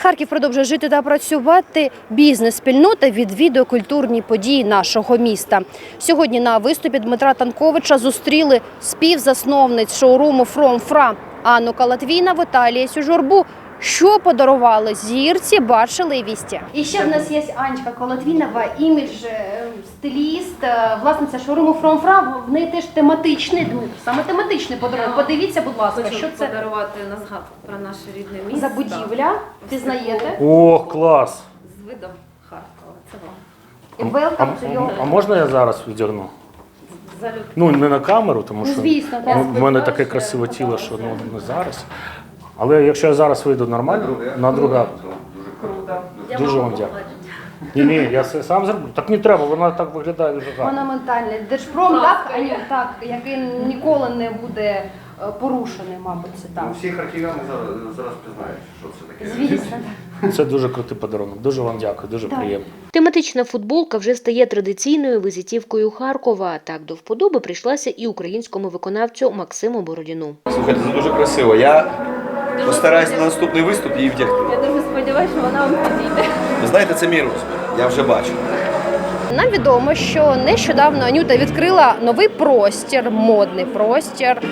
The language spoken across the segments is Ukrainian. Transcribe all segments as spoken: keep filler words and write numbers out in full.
Харків продовжує жити та працювати. Бізнес-спільнота відвідує культурні події нашого міста. Сьогодні на виступі Дмитра Танковича зустріли співзасновниць шоуруму From Fra Анну Калатвій, Віталію Журбу. Що подарували зірці, бачили і вісті. І ще в нас є Анечка Колотвінова, імідж-стиліст, власниця шоуруму From Fra. В неї теж тематичний, саме тематичний подарунок. Подивіться, будь ласка, Хочу що це подарувати на згадку про наше рідне місто. за будівля, пізнаєте? Ох, клас! З видом Харкова. Це вам. Welcome А, to your... а можна я зараз віддягну? Залюбки. Ну, не на камеру, тому що звісно, так. ну, в мене таке красиве тіло, що ну, не зараз. Але якщо я зараз вийду нормально, на друга, Круто. дуже вам дякую. Ні, ні, я це сам зроблю. Так не треба, вона так виглядає дуже гарно. Монументальний Держпром, так, Аню, так, який ніколи не буде е, порушений, мабуть, це так. Ну, всі харків'яни зараз, зараз пізнають, що це таке. Звісно. Це дуже крутий подарунок. Дуже вам дякую, дуже Так. приємно. Тематична футболка вже стає традиційною візитівкою Харкова. Так до вподоби прийшлася і українському виконавцю Максиму Бородіну. Слухайте, це дуже красиво. Я постараюсь на наступний виступ її вдягти. Я дуже сподіваюся, що вона вам підійде. Ви знаєте, це мій розмір. Я вже бачу. Нам відомо, що нещодавно Анюта відкрила новий простір, модний простір.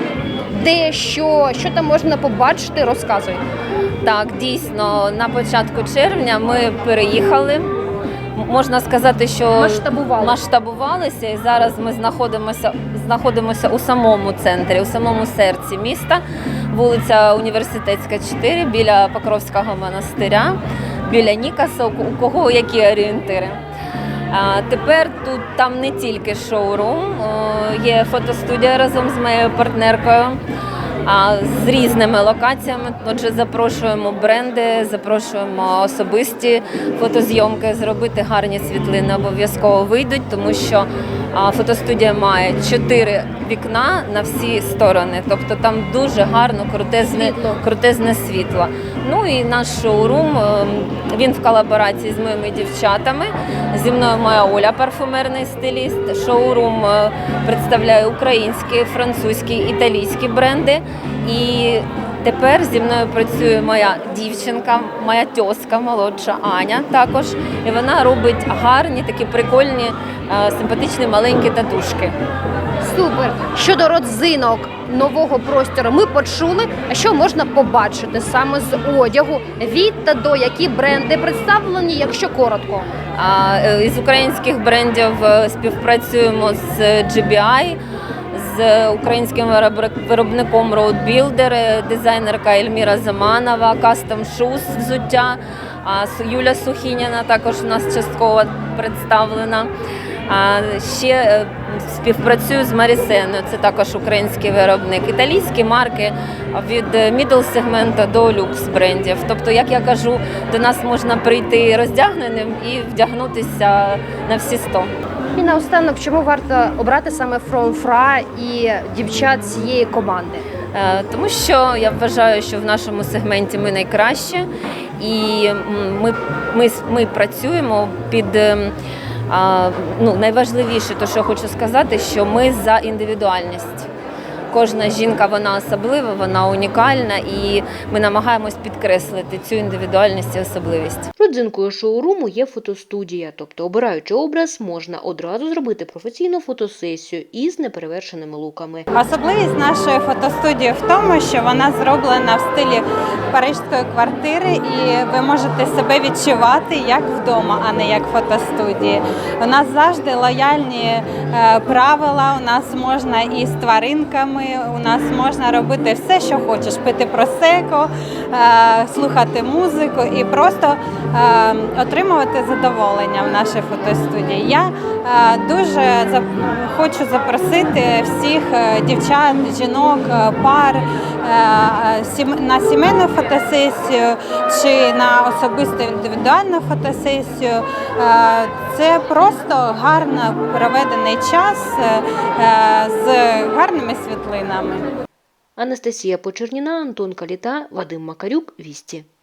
Де що, що там можна побачити, розказуй. Так, дійсно, на початку червня ми переїхали. М- Можна сказати, що Масштабували. масштабувалися, і зараз ми знаходимося, знаходимося у самому центрі, у самому серці міста, вулиця Університетська, чотири, біля Покровського монастиря, біля Нікаса, у кого які орієнтири. А тепер тут там не тільки шоурум, о, є фотостудія разом з моєю партнеркою, а з різними локаціями. Отже, запрошуємо бренди, запрошуємо особисті фотозйомки, зробити гарні світлини обов'язково вийдуть, тому що а, фотостудія має чотири вікна на всі сторони, тобто там дуже гарно крутезне Світло. крутезне світло. Ну і наш шоурум, е, він в колаборації з моїми дівчатами. Зі мною моя Оля, парфумерний стиліст. Шоурум е, представляє українські, французькі, італійські бренди. І тепер зі мною працює моя дівчинка, моя тьоска молодша Аня також. І вона робить гарні, такі прикольні, е, симпатичні маленькі татушки. Супер. Щодо родзинок нового простору ми почули, а що можна побачити саме з одягу, від та до, які бренди представлені, якщо коротко. А, е, Із українських брендів е, співпрацюємо з джі бі ай, з українським виробник- виробником Road Builder, е, дизайнерка Ельміра Заманова, Custom Shoes взуття, а С- Юля Сухініна також у нас частково представлена. А ще е, співпрацюю з Марісеною, це також український виробник. Італійські марки від middle сегменту до люкс брендів. Тобто, як я кажу, до нас можна прийти роздягненим і вдягнутися на всі сто. І наостанок, чому варто обрати саме From Fra і дівчат цієї команди? Е, Тому що я вважаю, що в нашому сегменті ми найкраще, і м, ми, ми, ми працюємо під ем, а, ну, найважливіше, то що я хочу сказати, що ми за індивідуальність. Кожна жінка, вона особлива, вона унікальна, і ми намагаємось підкреслити цю індивідуальність і особливість. Родзинкою шоуруму є фотостудія, тобто обираючи образ, можна одразу зробити професійну фотосесію із неперевершеними луками. Особливість нашої фотостудії в тому, що вона зроблена в стилі паризької квартири, і ви можете себе відчувати як вдома, а не як в фотостудії. У нас завжди лояльні е, правила, у нас можна і з тваринками, у нас можна робити все, що хочеш, пити просеко, е, слухати музику і просто е, отримувати задоволення в нашій фотостудії. Я е, дуже за- хочу запросити всіх е, дівчат, жінок, е, пар е, сім- на сімейну фотосесію чи на особисту індивідуальну фотосесію. Е, Це просто гарно проведений час е, з гарними світлинами. Анастасія Почерніна, Антон Каліта, Вадим Макарюк, Вісті.